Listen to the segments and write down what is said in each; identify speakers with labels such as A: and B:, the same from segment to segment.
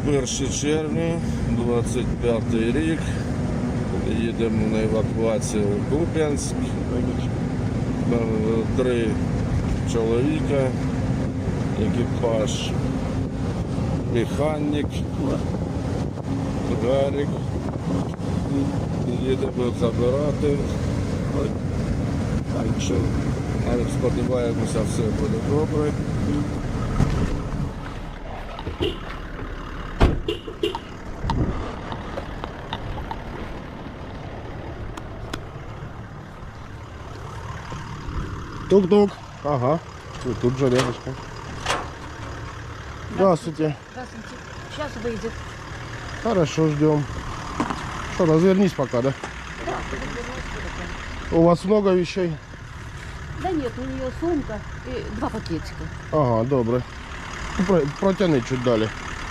A: 1 червня, 25 рік. Їдемо на евакуацію в Куп'янськ. 3 чоловіка, екіпаж, механік, Гарик. Їдемо забирати. Так що, сподіваємося, все буде добре.
B: Тук-тук. Ага. Тут же рядышком. Здравствуйте.
C: Здравствуйте. Сейчас выйдет.
B: Хорошо, ждем. Что, развернись пока, да? У вас много вещей?
C: Да нет, у нее сумка и 2 пакетика.
B: Ага, добре. Протяни чуть далі.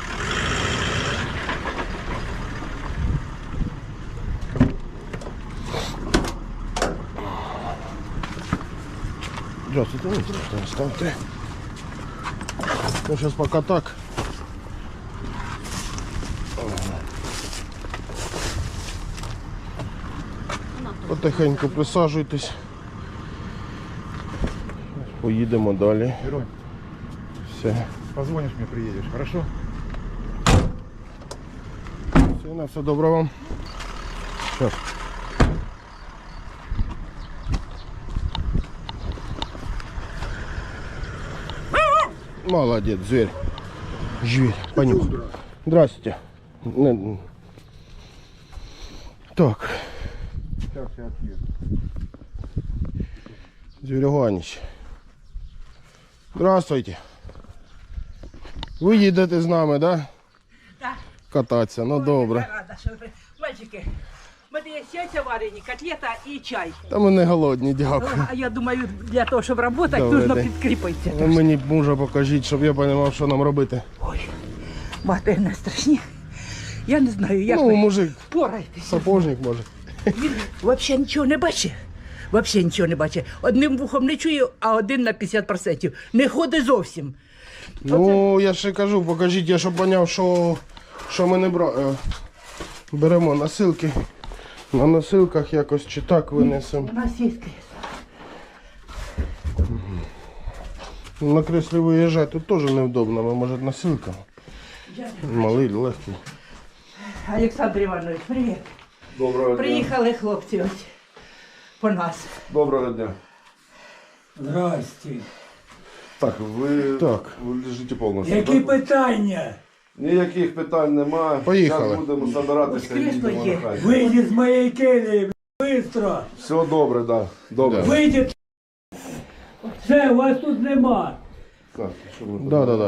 B: Здравствуйте, ну, ставьте. Ну, сейчас пока так. Потихеньку присаджуйтесь. Поїдемо далі.
D: Герой,
B: Все.
D: позвонишь мне, приедешь, хорошо?
B: Все, на все добре вам. Сейчас. Молодец, зверь. Зверь, понюхай. Здравствуйте. Так.
D: Сейчас я отъеду.
B: Зверюганіч. Здравствуйте. Ви їдете з нами, да?
E: Так.
B: Кататися, ну добре.
E: Рада, що ви. Мальчики, в мене є яйця варені, котлета і чай.
B: Та ми не голодні, дякую.
E: А я думаю, для того, щоб працювати,
B: Добрий
E: потрібно
B: день.
E: підкріпитися.
B: Ви мені мужа покажіть, щоб я розумів, що нам робити.
E: Ой, мати не страшні. Я не знаю, як
B: Ну,
E: ви
B: мужик,
E: впораєтеся.
B: сапожник може.
E: Він взагалі нічого не бачить. Взагалі нічого не бачить. Одним вухом не чує, а один на 50%. Не ходить зовсім.
B: Ну, я ще кажу, покажіть, я щоб зрозумів, що ми не беремо носилки. На носилках якось чи так винесемо.
E: У нас є кресло.
B: На креслі виїжджати тут теж невдобно, ми може носилка. Малий, легкий.
E: Олександр Іванович, привіт.
A: Доброго дня.
E: Приїхали хлопці ось по нас.
A: Доброго дня.
F: Здрасте.
A: Так, ви лежите повністю.
F: Які
A: так?
F: питання?
A: Ніяких питань немає.
B: Поїхали.
A: Зараз будемо збиратися і
E: Ось крісло
A: їдемо
E: є.
A: на хай.
F: Вийдіть з моєї келії, быстро.
A: Все добре, да. Добре.
B: Да.
F: Вийдіть. Все, вас тут нема.
A: Так, що ми
B: Да.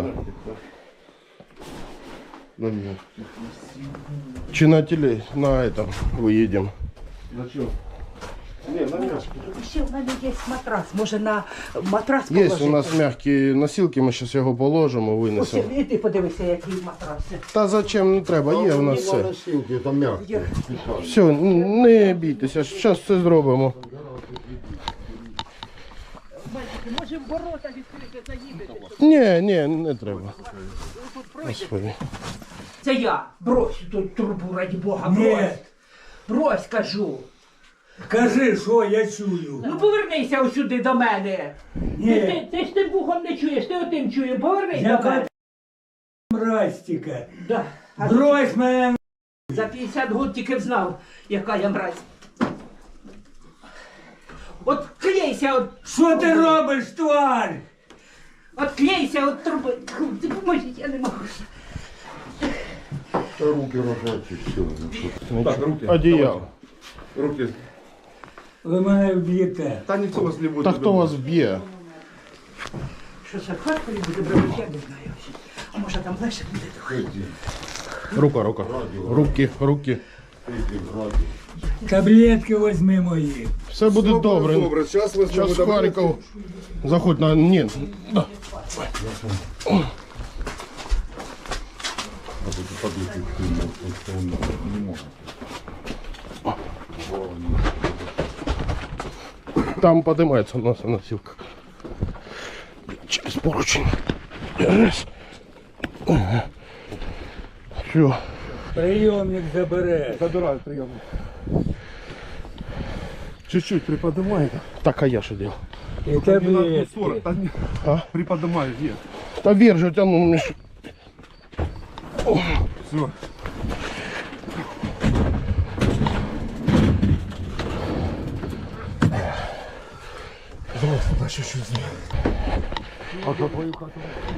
A: На мене.
B: Чи на на этом виїдемо.
A: На чого? Ні, на м'яч.
E: Ще в мене є матрас. Може на матрас
B: Є
E: положити?
B: у нас м'які носилки, ми зараз його положимо,
E: Ось,
B: винесемо.
E: і ти подивися, який матрас.
B: Та зачем не треба, є у нас все.
E: Є.
B: Все, не бійтеся, зараз все зробимо.
E: Мальчики, може ворота відкрити, заїдете?
B: Ні, не треба.
E: Тут пройдете?
B: Господи.
E: Це я. Брось тут трубу, раді Бога,
F: Ні.
E: брось. Брось, кажу.
F: Кажи, що я чую.
E: Ну повернися ось сюди до мене.
F: Ні.
E: Ти ж тим вухом не чуєш, ти отим чуєш. Повернись до
F: Яка
E: мене.
F: мразь-тіка.
E: Да. А
F: Брось мене.
E: за 50 років тільки знав, яка я мразь. От клейся, от
F: Що ти робиш, тварь?
E: От клейся, от труби. Ти поможіть, я не можу.
A: Руки рожачі, все. Так, руки.
B: Одіяло.
A: Руки.
F: Ви мене вб'єте.
A: Та ніхто вас не буде.
B: Та хто вас б'є?
E: Що це в Харкові буде брати, я не знаю. А може там легше буде до
B: Рука. Руки.
F: Таблетки візьми мої.
B: Все буде добре.
A: Добре, зараз ви
B: Зараз в Харків. Заходь на... Ні. Да. Там поднимается у нас носилка. Через поручень. Раз. Все.
F: Прийомник забере.
A: Забираю приемник. Чуть-чуть приподнимай.
B: Так, а я що делал?
F: І таблетки.
B: А?
A: Приподнимаю, нет.
B: Та вверх же тяну, Миш.
A: Все. Давай сюда чуть-чуть. А за твою хату?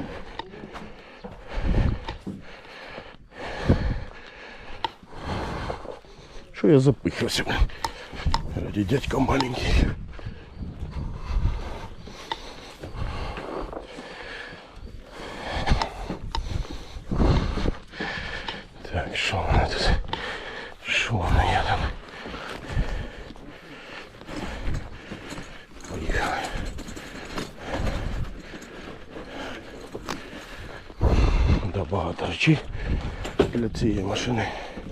B: Що я запихався? Ради дядька маленький. Так, що в мене тут? Що в мене є там? Поїхали. Да, багато речей для цієї машини.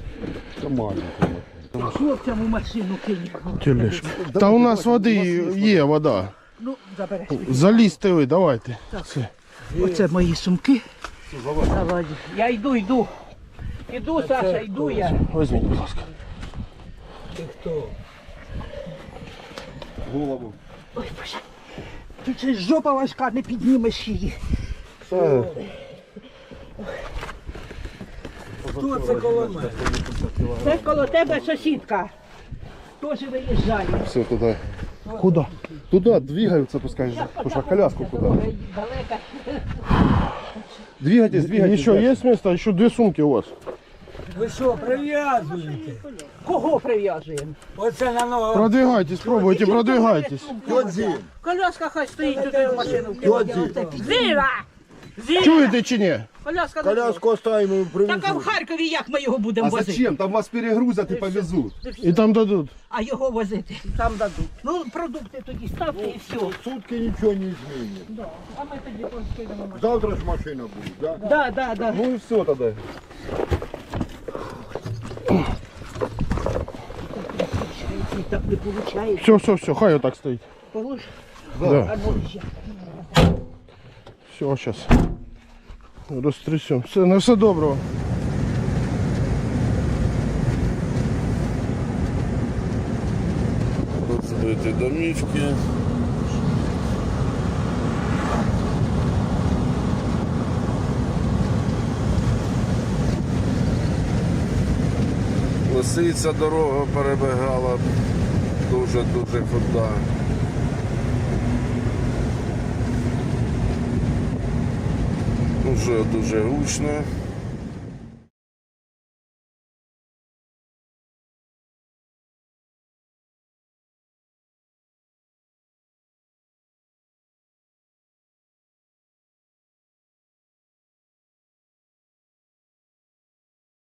E: Хлопцям у машину кинь.
B: Тележка. Та у нас води є, вода.
E: Ну, забереш.
B: Залізьте ви, давайте. Це.
E: Оце мої сумки. Давай. Я йду. Іду, Саша, йду я.
B: Візьміть, будь ласка.
F: Ти хто?
A: Голову.
E: Ой, Боже. Тут це жопа важка, не піднімеш її.
F: Хто це коло мене?
E: Це коло тебе сусідка. Теж виїжджає.
A: Все, туда.
B: Куди?
A: Туда двигаются, пускай. Слушай, а коляску куда?
E: Далеко.
A: Двигайтесь, двигайтесь.
B: Еще есть место? Еще две сумки у вас.
F: Ви що, прив'язуєте?
E: Кого прив'язуємо?
F: Оце на ногу.
B: Продвигайтесь, пробуйте, продвигайтесь.
E: Коляска хай стоїть туди в машину. Зіра!
B: Чуєте чи ні?
E: Коляска.
A: Коляску оставим и
E: Так а в Харкові як ми його будемо
A: А
E: возити?
A: зачем? Там вас перегрузят и повезут.
B: І там дадуть.
E: А його возити? Там дадуть. Ну, продукти тоді ставте і все.
D: Сутки ничего не изменит.
E: А ми тоді поскидемо.
D: Завтра ж машина будет, да?
E: Да.
A: Ну и все тогда.
E: Так не виходить.
B: Все, хай отак стоїть.
E: Полож.
B: Да.
E: А ну ще.
B: Все, зараз. Розтрясемо. Все, на все доброго.
A: Тут эти домишки. Лисиця дорога перебігала дуже худа. Уже дуже гучно.